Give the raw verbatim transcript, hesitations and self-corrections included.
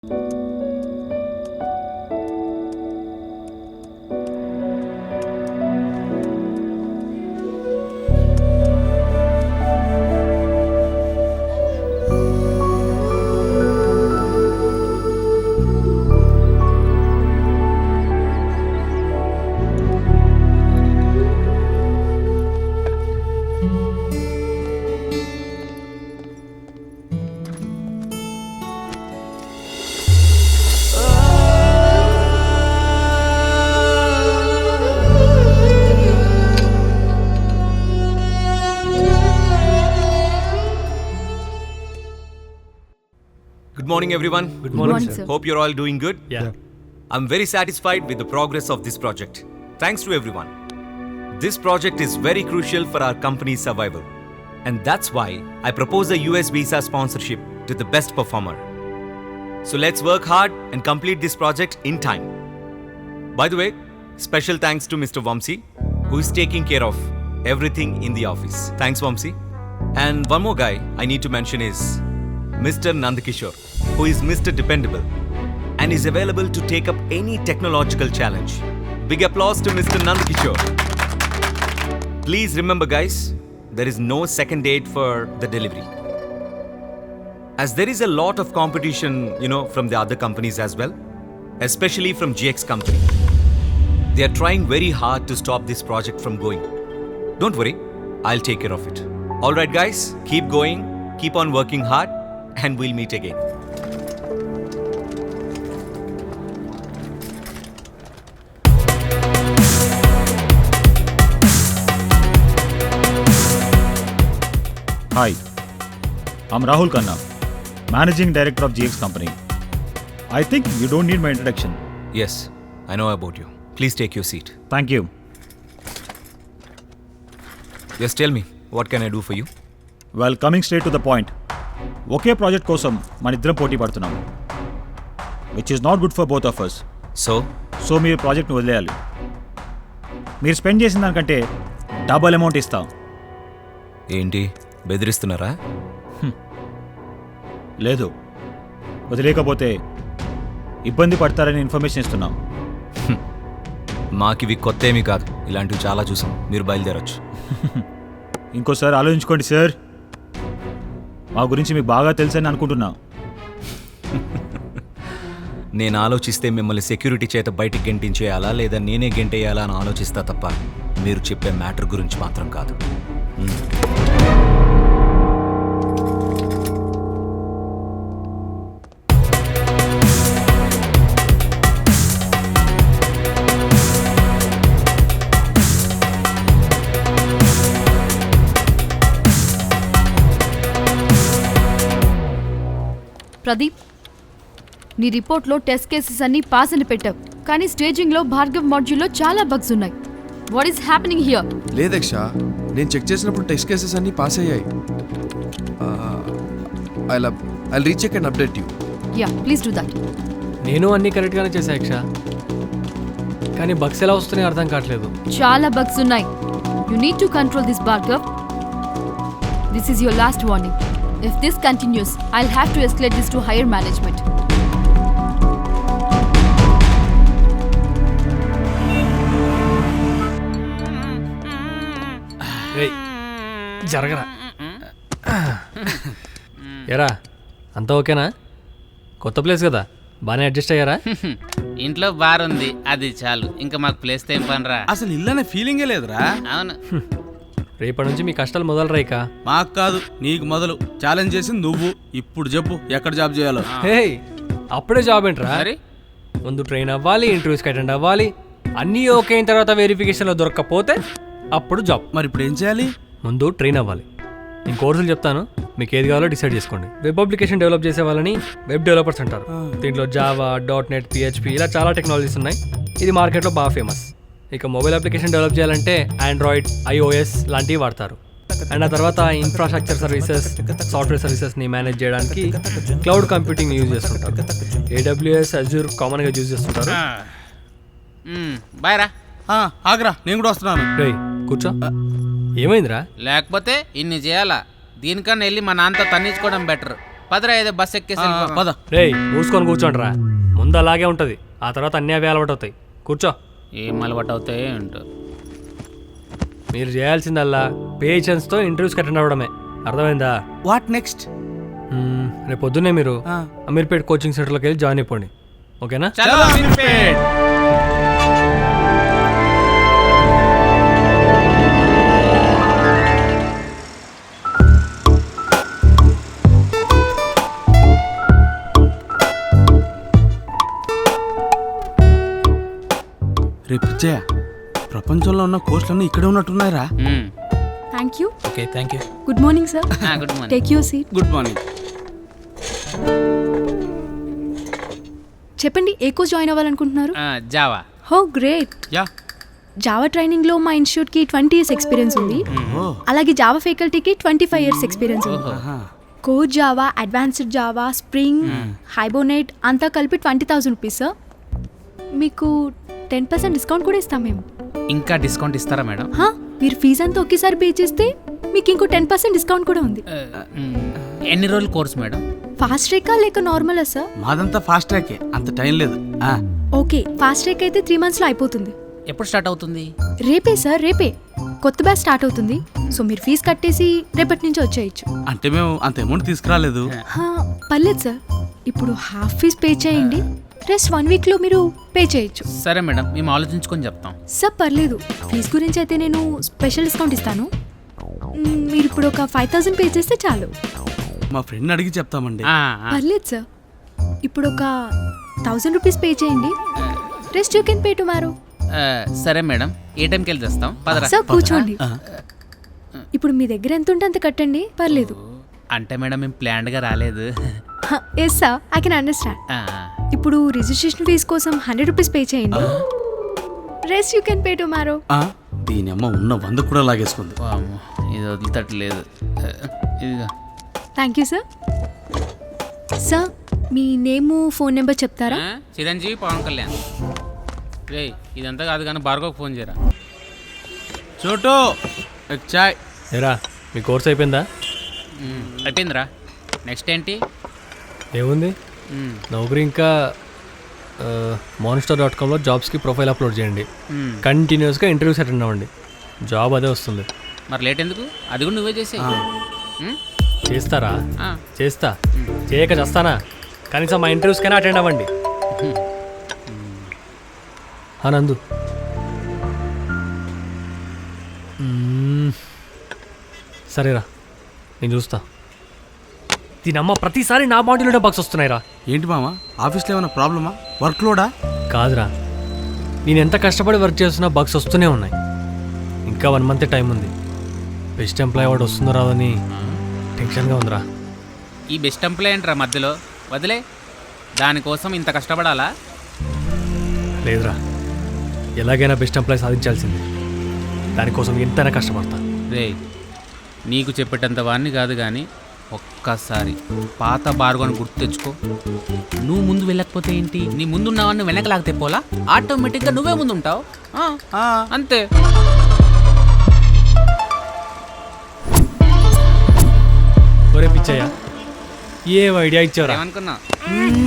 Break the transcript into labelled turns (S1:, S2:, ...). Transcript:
S1: Good morning, everyone.
S2: Good morning,
S3: morning
S2: sir.
S3: sir.
S1: Hope you're all doing good.
S2: Yeah.
S1: I'm very satisfied with the progress of this project. Thanks to everyone. This project is very crucial for our company's survival. And that's why I propose a U S visa sponsorship to the best performer. So let's work hard and complete this project in time. By the way, special thanks to Mister Vamsi, who is taking care of everything in the office. Thanks, Vamsi. And one more guy I need to mention is Mister Nandakishore, who is Mister Dependable and is available to take up any technological challenge. Big applause to Mister Nandakishore. Please remember, guys, there is no second date for the delivery. As there is a lot of competition, you know, from the other companies as well, especially from G X company. They are trying very hard to stop this project from going. Don't worry, I'll take care of it. All right, guys, keep going, keep on working hard, and we'll meet again.
S4: Hi, I'm Rahul Khanna, Managing Director of G X Company. I think you don't need my introduction.
S1: Yes, I know about you. Please take your seat.
S4: Thank you.
S1: Just tell me, what can I do for you?
S4: Well, coming straight to the point. ఒకే project కోసం మన ఇద్దరం పోటీ పడుతున్నాం, which is not good for both of us.
S1: So,
S4: so మీరు ప్రాజెక్ట్ని వదిలేయాలి. మీరు స్పెండ్ చేసిన దానికంటే డబల్ అమౌంట్ ఇస్తాం.
S1: ఏంటి బెదిరిస్తున్నారా?
S4: లేదు, వదిలేకపోతే ఇబ్బంది పడతారని ఇన్ఫర్మేషన్ ఇస్తున్నాం.
S1: మాకివి కొత్త ఏమీ కాదు, ఇలాంటివి చాలా చూసాం. మీరు బయలుదేరొచ్చు.
S4: ఇంకోసారి ఆలోచించుకోండి సార్, మా గురించి మీకు బాగా తెలుసని అనుకుంటున్నా.
S1: నేను ఆలోచిస్తే మిమ్మల్ని సెక్యూరిటీ చేత బయటికి గెంటించేయాలా లేదా నేనే గెంటేయాలా అని ఆలోచిస్తా తప్ప మీరు చెప్పే మ్యాటర్ గురించి మాత్రం కాదు.
S3: ప్రదీప్, నీ రిపోర్ట్లో టెస్ట్ కేసెస్ అన్ని పాస్ అని పెట్టావు, కానీ స్టేజింగ్లో భార్గవ్ మాడ్యూల్లో చాలా బగ్స్ ఉన్నాయి. What is happening here?
S5: లేదక్ష, నేను చెక్ చేసినప్పుడు టెస్ట్ కేసెస్ అన్ని పాస్ అయ్యాయి. I I recheck and update you.
S3: Yeah, please do that.
S2: నేను అన్ని కరెక్ట్గానే చేశా యక్ష, కానీ బగ్స్ ఎలా వస్తున్నాయో అర్థం కావట్లేదు.
S3: చాలా బగ్స్ ఉన్నాయి. You need to control this Bhargav. This is your last warning. If this continues, I'll have to escalate this to higher management.
S2: ఏయ్, జరగరా. ఎరా, అంతా ఓకేనా? కొత్త ప్లేస్ కదా, బాగానే అడ్జస్ట్ అయ్యారా?
S6: ఇంట్లో బార్ ఉంది, అది చాలు. ఇంకా మాకు ప్లేస్ ఏం పనిరా.
S7: అసలు ఇల్లు అనే ఫీలింగే లేదురా.
S6: అవును,
S2: రేపటి నుంచి మీ కష్టాలు మొదలు రైకా.
S7: మాకు కాదు, నీకు మొదలు. ఛాలెంజ్ చేసింది నువ్వు. ఇప్పుడు చెప్పు ఎక్కడ జాబ్ చేయాలో.
S2: హే, అప్పుడే జాబ్ ఏంట్రా?
S6: మరి
S2: ముందు ట్రైన్ అవ్వాలి, ఇంటర్వ్యూస్కి అటెండ్ అవ్వాలి, అన్నీ ఓకే అయిన తర్వాత వెరిఫికేషన్లో దొరకకపోతే అప్పుడు జాబ్.
S7: మరి ఇప్పుడు ఏం చేయాలి?
S2: ముందు ట్రైన్ అవ్వాలి. నేను కోర్సులు చెప్తాను, మీకు ఏది కావాలో డిసైడ్ చేసుకోండి. వెబ్ అప్లికేషన్ డెవలప్ చేసే వాళ్ళని వెబ్ డెవలపర్స్ అంటారు. దీంట్లో జావా, డాట్ నెట్, పిహెచ్పి ఇలా చాలా టెక్నాలజీస్ ఉన్నాయి. ఇది మార్కెట్లో బాగా ఫేమస్. ఇక మొబైల్ అప్లికేషన్ డెవలప్ చేయాలంటే ఆండ్రాయిడ్, ఐఓఎస్ లాంటివి వాడతారు. అండ్ ఆ తర్వాత ఇన్ఫ్రాస్ట్రక్చర్ సర్వీసెస్, సాఫ్ట్వేర్ సర్వీసెస్ని మేనేజ్ చేయడానికి క్లౌడ్ కంప్యూటింగ్ యూజ్ చేస్తుంటారు. ఏడబ్ల్యూఎస్, అజూర్ కామన్గా యూజ్ చేస్తుంటారు.
S6: బాయ్ రా.
S7: ఆగ్రా, నేను కూడా వస్తున్నాను.
S2: రేయ్ కూర్చో. ఏమైందిరా?
S6: లేకపోతే ఇన్ని చేయాలా? దీనికన్నా వెళ్ళి మా నాన్నతో తన్నించుకోవడం బెటర్. పదరా ఏదో బస్ ఎక్కేసి
S7: ఆ,
S6: వెళ్ళిపోదాం.
S7: పద
S2: రేయ్ మూసుకొని కూర్చోండిరా. ముందు అలాగే ఉంటుంది, ఆ తర్వాత అన్నీ అవే అలవాటు అవుతాయి. కూర్చో.
S6: ఏం అలవాటు అవుతాయి ఏంటో.
S2: మీరు చేయాల్సిందల్లా పేషెన్స్తో ఇంటర్వ్యూస్కి అటెండ్ అవ్వడమే. అర్థమైందా?
S7: What next?
S2: మ్మ్, రేపు పొద్దున్నే మీరు
S7: ఆ.
S2: అమీర్పేట్ కోచింగ్ సెంటర్లోకి వెళ్ళి జాయిన్ అయిపోండి. ఓకేనా?
S6: చలో అమీర్పేట్.
S7: రేపు పిచ్చయ్య, ప్రపంచంలో ఉన్న కోర్సులన్నీ ఇక్కడే ఉన్నట్టున్నాయిరా.
S6: మ్మ్.
S8: Thank you.
S2: Okay, thank you.
S8: Good morning sir.
S6: ఆ, good morning.
S8: Take your seat.
S7: Good morning.
S8: చెప్పండి, ఏ కోర్స్ జాయిన్ అవ్వాలనుకుంటున్నారు?
S6: ఆ, జావా.
S8: హో గ్రేట్.
S7: యా.
S8: జావా ట్రైనింగ్లో మా ఇన్స్టిట్యూట్కి ట్వంటీ ఇయర్స్ ఎక్స్పీరియన్స్ ఉంది.
S7: ఓ.
S8: అలాగే జావా ఫ్యాకల్టీకి ట్వంటీ ఫైవ్ ఇయర్స్ ఎక్స్పీరియన్స్ ఉంది.
S7: ఆహా.
S8: Core Java, advanced Java, spring, Hibernate అంతా కలిపి ట్వంటీ థౌసండ్ రూపీస్ సార్. మీకు టెన్ పర్సెంట్ డిస్కౌంట్ కూడా ఇస్తాం మేము.
S6: ఇంకా డిస్కౌంట్ ఇస్తారా మేడం?
S8: హా, మీరు ఫీజు అంతా ఒకేసారి పే చేస్తే మీకు ఇంకో టెన్ పర్సెంట్ డిస్కౌంట్ కూడా ఉంది.
S6: ఆ, మ్మ్. ఎన్ని రోజుల కోర్స్ మేడం?
S8: ఫాస్ట్ ట్రాకా లేక నార్మలా సార్?
S7: మాదంతా ఫాస్ట్ ట్రాకే, అంత టైం లేదు. ఆ,
S8: ఓకే, ఫాస్ట్ ట్రాక్ అయితే త్రీ మంత్స్లో అయిపోతుంది.
S6: ఎప్పుడు స్టార్ట్ అవుతుంది?
S8: రేపే సార్, రేపే కొత్త బ్యాచ్ స్టార్ట్ అవుతుంది. సో మీరు ఫీజు కట్టేసి రేపటి నుంచి వచ్చేయచ్చు.
S7: అంటే మేము అంత అమౌంట్ తీసుకురాలేదు.
S8: హా, పర్లేదు సార్, ఇప్పుడు హాఫ్ ఫీజ్ పే చేయండి, రెస్ట్ వన్ వీక్లో మీరు పే చేయొచ్చు.
S6: సరే మేడం, మేము ఆలోచించుకొని చెప్తాం.
S8: సార్ పర్లేదు, ఫీజు గురించి అయితే నేను స్పెషల్ డిస్కౌంట్ ఇస్తాను. మ్, మీరు ఇప్పుడు ఒక ఫైవ్ థౌసండ్ పే చేస్తే చాలు.
S7: మా ఫ్రెండ్ అడిగి చెప్తామండి.
S6: ఆ, ఆ.
S8: పర్లేదు సార్, ఇప్పుడు ఒక థౌసండ్ రూపీస్ పే చేయండి, rest you can pay tomorrow.
S6: ఆ, సరే మేడం, ఏ టైంకి వెళ్ళి తెస్తాం? పదరా.
S8: సార్ కూర్చోండి.
S7: ఆ.
S8: ఇప్పుడు మీ దగ్గర ఎంత ఉంటే అంత కట్టండి, పర్లేదు.
S6: అంటే మేడం మేము ప్లాన్డ్గా రాలేదు.
S8: Yes sir, I can understand.
S6: ఆ,
S8: ఇప్పుడు రిజిస్ట్రేషన్ ఫీజు కోసం హండ్రెడ్ రూపీస్ పే చేయండి, rest you can pay tomorrow.
S7: ఆ, దీని అమ్మ ఉన్న వంద కూడా లాగేసుకుంది.
S6: వామ్మో, ఇది వదిలితట్లేదు. ఇదిగా.
S8: Thank you sir. సార్ మీ నేము ఫోన్ నెంబర్ చెప్తారా?
S6: ఆ, చిరంజీవి పవన్ కళ్యాణ్. రే ఇదంతా కాదు కానీ భార్గవ్కి ఫోన్ చేయరా.
S7: చోటు ఎక్ చాయ్.
S2: ఏరా, మీ కోర్స్ అయిపోయిందా?
S6: మ్మ్. అయిపోయిందిరా. నెక్స్ట్ ఏంటి?
S2: ఏముంది,
S6: మ్మ్.
S2: నౌకరీ ఇంకా మాన్స్టర్ డాట్ కామ్లో జాబ్స్కి ప్రొఫైల్ అప్లోడ్ చేయండి.
S6: మ్మ్.
S2: కంటిన్యూస్గా ఇంటర్వ్యూస్ అటెండ్ అవ్వండి, జాబ్ అదే వస్తుంది.
S6: మరి లేట్ ఎందుకు? అది కూడా నువ్వే చేసే.
S2: చేస్తారా? చేస్తా. చేయక చేస్తానా? కనీసం మా ఇంటర్వ్యూస్కైనా అటెండ్ అవ్వండి. నందు, మ్మ్. సరేరా, నేను చూస్తా. దీనమ్మ ప్రతిసారి నా బాడీలోనే బాక్స్ వస్తున్నాయిరా.
S7: ఏంటి మామ, ఆఫీస్లో ఏమైనా ప్రాబ్లమా? వర్క్ లోడా?
S2: కాదురా, నేను ఎంత కష్టపడి వర్క్ చేస్తున్నా బగ్స్ వస్తూనే ఉన్నాయి. ఇంకా వన్ మంత్ టైం ఉంది. బెస్ట్ ఎంప్లాయ్ అవార్డు వస్తుందో రాదని టెన్షన్గా ఉందిరా.
S6: ఈ బెస్ట్ ఎంప్లాయ్ ఏంట్రా మధ్యలో? వదిలే, దానికోసం ఇంత కష్టపడాలా?
S2: లేదురా, ఎలాగైనా బెస్ట్ ఎంప్లాయ్ సాధించాల్సింది. దానికోసం ఎంతైనా కష్టపడతా.
S6: రే నీకు చెప్పేటంత వాడిని కాదు కానీ ఒక్కసారి పాత బార్గోని గుర్తు తెచ్చుకో. నువ్వు ముందు వెళ్ళకపోతే ఏంటి, నీ ముందున్న వాడిని వెనక లాగితే పోలా ఆటోమేటిక్గా నువ్వే ముందు ఉంటావు.
S7: ఆ,
S6: అంతే.
S2: ఒరే పిచ్చయ్య, ఏ ఐడియా ఇచ్చావురా?
S6: ఏమనుకున్నా?
S2: మ్మ్.